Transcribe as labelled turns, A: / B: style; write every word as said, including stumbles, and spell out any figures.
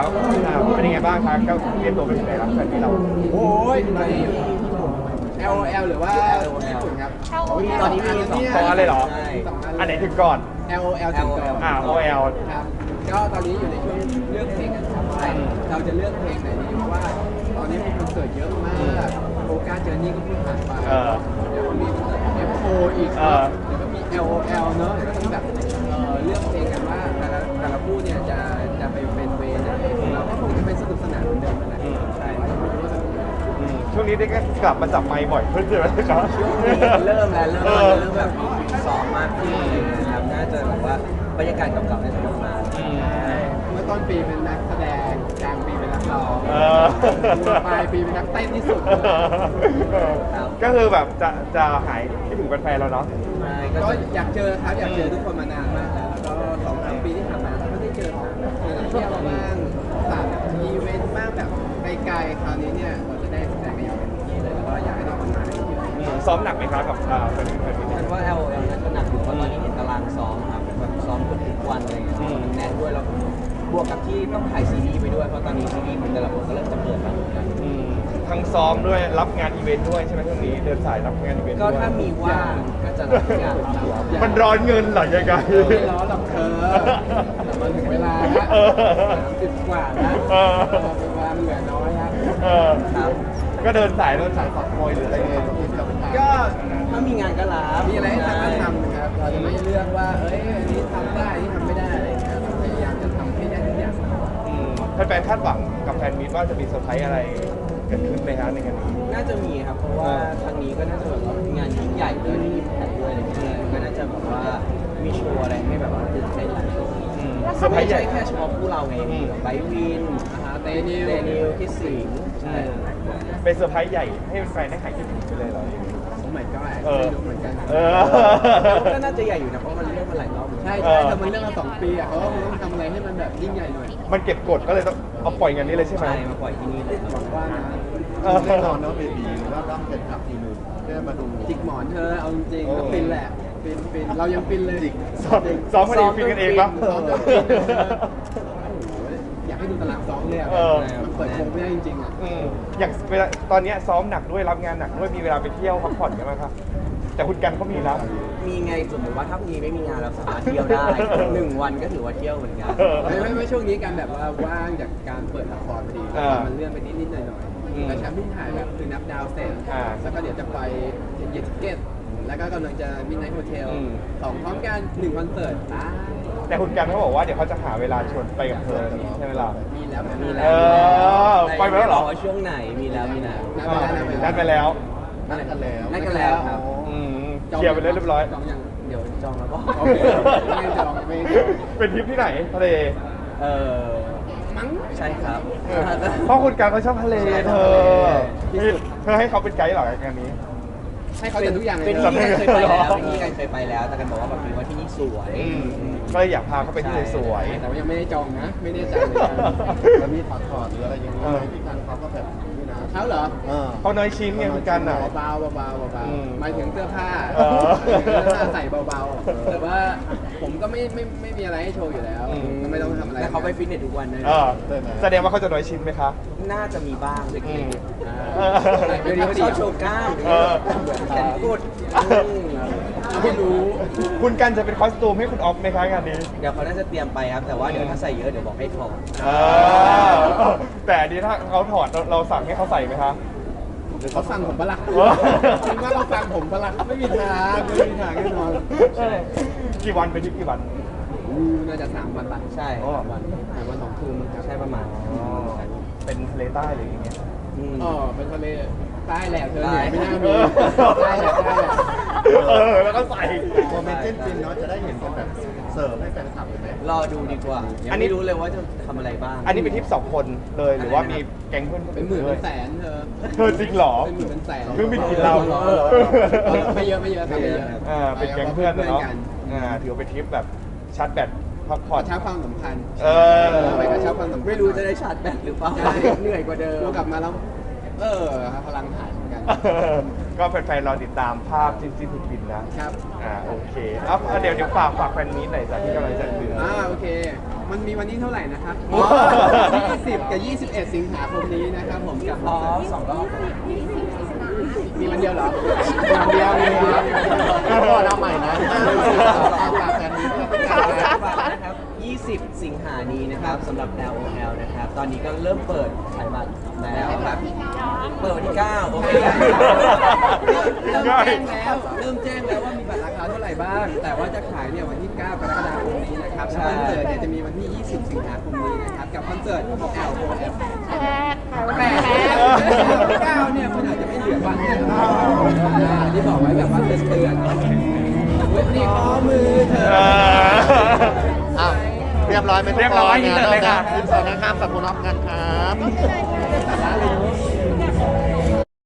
A: ครับอ่าเป็นยังไงบ้างครับก็เตรียมตัวเป็นยังไงครับแฟนที่เรา
B: โอ้ยตอนนี้อยู่ที่ แอล โอ แอล หรือว่าญี่ปุ่นครับ
C: ตอนนี้มีสอง
A: สองอันเลยเหรอ
B: ใช่สองอัน
A: อันไหนถึงก่อน
B: แอล โอ แอล ถึงก่อน
A: อ่า โอ แอล
B: ครับก็ตอนนี้อยู่ในช่วงเลือกเพลงกันครับว่าเราจะเลือกเพลงไหนดีเพราะว่าตอนนี้มีคอนเสิร์ตเยอะมากโอกาสเจอร์นี่ก็เพิ่งผ่านไปเดี๋ยวก็มีคอนเสิร์ต เอฟ โอ อีกเดี๋ยวก็มี แอล โอ แอล เนอะเดี๋ยวก็ต้องแบบเอ่อเลือกเพลงกันว่าแต่ละแต่ละคู่เนี่ยจะจะไปเป็นเวย์ไหนเราก็คงจะเป็นสนุกสนานเหมือนเดิมนั่นแหละใช่ไม่รู้สึก
A: อืมช่วงนี้ได้ก็กลับมาจับไมค์บ่อยขึ้นใช่ไหมครับ
C: ช่วงนี้เริ่มแล้วเริ่มแล้วเริ่มแบบมีซ้อมมากขึ้นอะไรอย่างเงี้ยครับน่าจะแบบว่าบรรยากาศเก่าๆน่าจะกลับมา
A: อืม
B: เมื่อต้นปีเป็นนักแสดงกลางปีเป็นนักร้อง
A: เออ
B: ปลายปีเป็นนักเต้นที่สุด
A: ก็คือแบบจะจะหายคิดถึงแฟนๆแล้วเนาะ
C: ใช่ก็
B: ก็
C: จะ
B: อยากเจอครับอยากเจอทุกคนมานานมากแล้วแล้วก็สองสามปีที่ผ่านมาเราก็ได้เจอแบบเที่ยวบ้างต่างอีเวนต์บ้างแบบไกลๆคราวนี้เนี่ยเราจะได้แสดงกันอย่างเต็มที่เลยแล้วก็อยากให้ทุกคนมาเยอะ
A: อืมซ้อมหนักไหมครับกับอ่าแฟนแฟน
C: ฉันว่า แอล โอ แอล น่าจะหนักอยู่เพราะตอนนี้เห็นตารางซ้อมครับแบบซ้อมเกือบทุกวันอะไรเงี้ยมันแน่นด้วยแล้วบวกกับที่ต้องถ่ายซีรีส์ไปด้วยเพราะตอนนี้ซีรีส์มันแต่ละคนก็เริ่มจะเปิดแล้วเหมือนกัน
A: อืมทั้งซ้อมด้วยรับงานอีเวนต์ด้วยใช่ไหมช่วงนี้เดินสายรับงานอีเวนต์
C: ก็
A: ด้วย
C: ถ้ามีว่างก็จะรับงานครับ
A: มันร้อนเงินเหรอยังไง
B: ๆไม่ร้อนหรอกเธอแต่มันถึงเวลาแล้ว
A: เออ
B: สามสิบกว่าแล้ว
A: เออ
B: เวลาเหลือน้อยแล้ว
A: เออ
C: ครับ
A: ก็เดินสายเดินสายสอบมวยหรืออะไรเงี้ย
B: ก็
C: ถ้ามีงานก็รับ
B: มีอะไรให้ทำก็ทำนะครับ เราจะไม่เลือกว่า เอ้ย อันนี้ทำได้อันนี้ทำไม่ได้อะไรอย่างเงี้ยเราพยายามจะทำให้ได้ทุกอย่าง
A: อืมแฟนๆคาดหวังกับแฟนมีตว่าจะมีเซอร์ไพรส์อะไรเกิดขึ้นไหมครับในงานนี้
C: น่าจะมีครับ เพราะว่าครั้งนี้ก็น่าจะแบบว่าเป็นงานยิ่งใหญ่ด้วยที่อิมแพคด้วยอะไรเงี้ยก็น่าจะแบบว่ามีโชว์อะไรให้แบบว่าตื่นเต้นหลายโชว์
A: อืมเซอร์ไพร
C: ไม่
A: ส์ให
C: ใช่
A: ญ่
C: แค่เฉพาะคู่เราไงมีแบบไบร์ทวิน
B: นะฮะเตนิว
C: เดนิวคิดสิงห์ใช่
A: เป็นเซอร์ไพรส์ใหญ่ให้แฟนๆได้หายคิดถึงไปเลยเหรอ
B: สมัยก็
A: เออ
B: ไม่รู้เหมือนกัน
A: เออ
C: ก็น่าจะใหญ่อยู่นะเพราะมันเลื่อนมาหลายรอบ
B: ใช่ใช่แต่มันเรื่องมาสองปีอ่ะเขาก็ต้องทำอะไรให้มันแบบยิ่งใหญ่หน่อย
A: มันเก็บกดก็เลยต้องเอาปล่อยงานนี้เลยใช่ไหม
C: ใช่มาปล่อยที่นี่เลย
B: หวังว่านะ
A: เออ
D: แน่นอนเนาะเบบีว่าต้องเป็นขับทีนึงเพื่อมาดู
B: จิกหมอนเธอเอาจริงๆก็ฟินแหละฟินฟินเรายังฟินเลย
A: ซ้อมซ้อมกันเองฟินกันเองปะ
B: ซ้อมจนฟินเลยโอ้โหอยากให้ดูตารางซ้อมเลยอ่ะ
A: เออ
B: มันเปิดโปงไม่ได้จริงๆอ่ะ
A: อืมอย่างเวลาตอนเนี้ยซ้อมหนักด้วยรับงานหนักด้วยมีเวลาไปเที่ยวพักผ่อนกันไหมครับแต่คุณกันเขามีแล้ว
C: มีไงสมมติว่าถ้ามีไม่มีงานเราสามารถเที่ยวได้หนึ่งวันก็ถือว่าเที่ยวเหมือนกัน
A: เออ
B: ไม่ไม่ไม่ช่วงนี้การแบบว่าว่างจากการเปิดละครพอดี
A: อ่ามั
B: มันเลื่อนไปนิดนิดๆหน่อยหน่อย
A: อืม
B: แต่แชมป์เพิ่งถ่ายแบบคือนับดาวเสร็จ
A: อ่า
B: แล้วก็เดี๋ยวจะไปเยติเกตแล้วก็กำลังจะมินไนท์โฮเทล
A: อืม
B: สองพร้อมกันหนึ่งคอนเสิร์ตอ่า
A: แต่คุณกันเขาบอกว่าเดี๋ยวเขาจะหาเวลาชวนไปกับเธอใช่ไหมล่ะ
B: มีแล้ว
C: มี
B: มี
C: แล้
A: เอ
C: ว
A: อไปแล้วเหรอ
C: ว่าช่วงไหนมีแล้วมีแล้ว
B: นัดไปแล้วนัดไป
A: นัดไปแล้ว
D: นั่นกันแล้ว
C: นัดกันแล้วครับ
A: อืมเคลียร์ไปเรียบร้อย
B: จองยัง
C: เดี๋ยวจองแล้วก็
B: โอเคไม่จองไม่จอง
A: เป็นทริปที่ไหนทะเล
C: เออ
B: มั้ง
C: ใช่ครับ
A: เพราะคุณกันเขาชอบทะเลเธอ
B: ที่สุด
A: เธอให้เขาเป็นไกด์เหรองานนี้
B: ให้เขาจัดทุกอย่างเลย
C: เป็น
B: นะ
C: ที่กันเคยไปแล้ว
A: หรอ
C: เป็นที่กันเคยไปแล้ว แต่กันบอกว่าแบบนี้ว่าที่นี่สวย
A: ก็เลยอยากพาเขาไปที่สวย
B: แต่ว่ายังไม่ได้จองนะ ไม่ได้จ่ายเลยนะ
D: แล้วมีถอดถอดหรืออะไรอย่างนี้ไหมที่กันเขาก็แบบนี่นะ
B: เขาเหรอ
D: เออ
A: ๆเขาน้อยชิ้นไงคุณกันอ่ะ
B: เบาๆเบาๆเบา
A: อืม
B: ๆหมายถึงเสื้อผ้า
A: เออ
B: เสื้อผ้าใส่เบาๆแต่ว่าผมก็ไม่ไม่ไม่มีอะไรให้โชว์อยู่แล้ว
A: อืม
B: ก็ไม่ต้องทำอะไร
C: แล้วเขาไปฟิตเนสทุกวันเลย
A: เออแสดงว่าเขาจะน้อยชิ้นไหมคะ
C: น่าจะมีบ้างเล็ก
A: อืม
C: ๆอ่า
A: เออ
C: เดี๋ยวนี้เขาชอบโชว์กล้าม
A: เออ
C: แขนกุด
B: เอาให้รู้
A: คุณกันจะเป็นคอสตูมให้คุณออฟไหมคะงานนี้
C: เดี๋ยวเขาน่าจะเตรียมไปครับ แต่ว่าเดี๋ยวถ้าใส่เยอะเดี๋ยวบอกให้ถอด
A: เออแต่อันนี้ถ้าเขาถอดเราเราสั่งให้เขาใส่ไหมคะ
B: หรือเขาฟังผมปะล่ะ
A: เออ
B: คิดว่าเราฟังผมปะล่ะไม่มีทางไม่มีทางแน่นอน
A: กี่วันเป็นทริปกี่วัน
B: อืมน่าจะสามวันปะ
C: ใช่
A: อ๋อ
C: สามวัน
B: สามวันสองคืนมั้งครับ
C: ใช่ประมาณ
A: เป็นทะเลใต้หรืออย่างเงี้ย
C: อืม
B: อ๋อเป็นทะเลใต้แหละเธอ
C: ใต้
B: เนี่ยไม่น่า
A: เอ
B: มี
A: อ
B: ใต้แหละใต้แหละ
A: เออแล้วก็ใส่
D: โมเมนต์เต้นฟินเนาะจะได้เห็นกันแบบเสิร์ฟให้แฟนคลับเลยไหม
C: รอดูดีกว่า ยังไม่รู้เลยว่าจะทำอะไรบ้าง
A: อันนี้เป็นทริปสองคนเลยหรือว่ามีแก๊งเพื่อน
B: เป็นหมื่น
A: ด้
B: เป็
A: วย
B: นแสนเธอ
A: เธอจริงเหรอ
B: เป็นหมื่นเป็นแสน
A: เครื่องบินกินเรา
B: เออไม่เยอะไม่เยอะครับไม่เยอะ
A: อ่าเป็นแก๊งเพื่อน
B: เพื่อน
A: เนาะ
B: กัน
A: อ่าถือว่าเป็นทริปแบบชาร์จแบตพักผ่
B: ข
A: อ
B: อน เช้าความสัมพันธ์
A: เออ
B: ไปกระชับความสัมพันธ์
C: ไม่รู้จะได้ชาร์จแบตหรือเปล่า
B: ใช่
C: เหนื่อยกว่าเดิม
B: เรากลับมาแล้วเออพลังหายเหมือนกัน
A: ก็แฟนๆรอติดตามภาพจิ้นจิ้นผิดบินนะครับ อ่าโอเคเอาเอาเดี๋ยวเดี๋ยวฝากฝากแฟนมีตหน่อยจ้ะที่กำลังจะถึง
B: อ่าโอเค มันมีวันนี้เท่าไหร่นะครับ
A: อ๋อ
B: ยี่สิบกับยี่สิบเอ็ดสิงหาคมนี้นะครับผมกับ
C: อ๋อสองรอบ
B: มีวันเดียวเหรอวันเดียวมีวันเดียว
D: ก็พอเอาใหม่นะฝากแฟนนี้ด้วย
C: ฝากนะครับยี่สิบ สิงหานี้นะครับสำหรับ แอล โอ แอล นะครับ ตอนนี้ก็เริ่มเปิดขายบัตรแล้วครับ เปิดวันที่เก้าโอเค
B: เริ่มแจ้งแล้วเริ่มแจ้งแล้วว่ามีบัตรราคาเท่าไหร่บ้าง แต่ว่าจะขายเนี่ยวันที่ เก้ากรกฎาคมนี้นะครับ
C: ใช่
B: คอนเสิร์ตเนี่ยจะมีวันที่ ยี่สิบ สิงหาคมนี้นะครับกับคอนเสิร์ต แอล โอ แอล
E: แพ้แพ้
B: แปดเก้าเนี่ยมันอาจจะไม่เหลือบัตรเลยอ่าที่บอกไว้แบบว่าเตือนเตือนเว็บนี้ข้อมือเธอ
D: อ้าวเรียบร้อยไหมทุกคน
A: เรียบร้อยอินเสิร์ตเลยค่ะ
D: อินเสิร์ตนะครับขอบคุณออฟกันครับ